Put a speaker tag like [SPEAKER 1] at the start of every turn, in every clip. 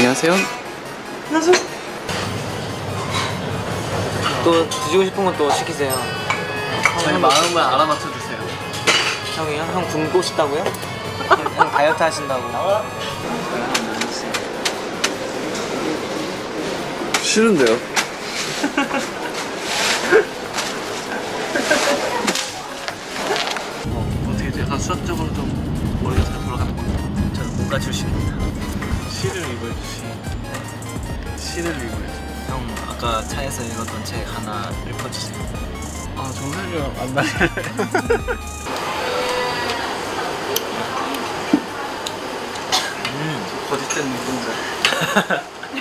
[SPEAKER 1] 안녕하세요.
[SPEAKER 2] 또 드시고 싶은 건 또 시키세요.
[SPEAKER 1] 저희 마음을 알아맞혀 주세요.
[SPEAKER 2] 형이요? 형 굶고 싶다고요? 형 다이어트 하신다고.
[SPEAKER 1] 싫은데요? 어떻게 약간 수학적으로 좀 머리가 잘 돌아가는 것 같아요.
[SPEAKER 2] 저는 문과 출신입니다.
[SPEAKER 1] 시를 읽어주시. 시를 읽어야지.
[SPEAKER 2] 형 아까 차에서 읽었던 책 하나 읽어주세요.
[SPEAKER 1] 아 정말요? 안 나요. 거짓된 눈동자.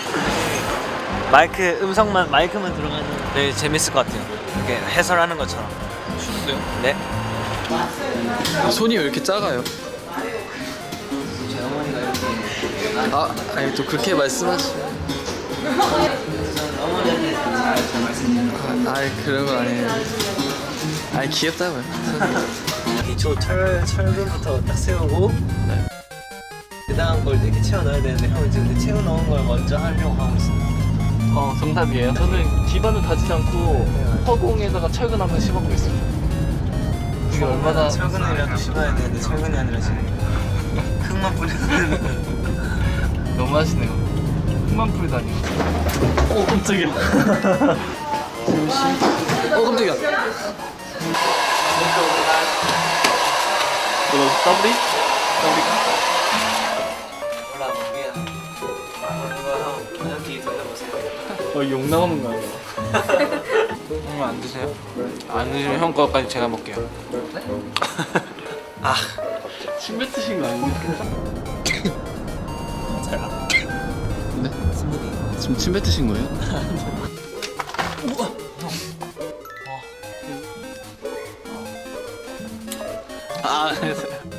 [SPEAKER 2] 마이크만 들어가는 되게 재밌을 것 같아요. 이렇게 해설하는 것처럼.
[SPEAKER 1] 추운데요?
[SPEAKER 2] 네.
[SPEAKER 1] 손이 왜 이렇게 작아요?
[SPEAKER 2] 제 어머니가 이렇게
[SPEAKER 1] 아니 또 그렇게 말씀하시면.
[SPEAKER 2] 어머니한테 잘 말씀드려요.
[SPEAKER 1] 아이 그런 거 아니에요. 아니 귀엽다고요.
[SPEAKER 2] 기초 철근부터 딱 세우고 그 다음 걸 이렇게 채워 넣어야 되는데 형은 지금 그 채워 넣은 걸 먼저 하려고 하고 있어요.
[SPEAKER 1] 정답이에요. 저는 기반을 다지지 않고 허공에다가 철근 한번 씹어보고 있습니다. 이게 얼마나
[SPEAKER 2] 철근이라도 씹어야 되는데 철근이 아니라 지금 흙만 뿌리는.
[SPEAKER 1] 너무 하시네요. 흙만 뿌리다니. 오 깜짝이야. 깜짝이야. 뭐라고? 더블이?
[SPEAKER 2] 몰라 모르겠어. 이거 형 뒤 돌려보세요.
[SPEAKER 1] 욕 나오는 거 아니야?
[SPEAKER 3] 형 안 드세요? 안 드시면 형 거까지 제가 먹게요.
[SPEAKER 1] 침 뱉으신 거 아니에요? 네?
[SPEAKER 2] 스무디.
[SPEAKER 1] 지금 침 뱉으신 거예요?
[SPEAKER 3] 아,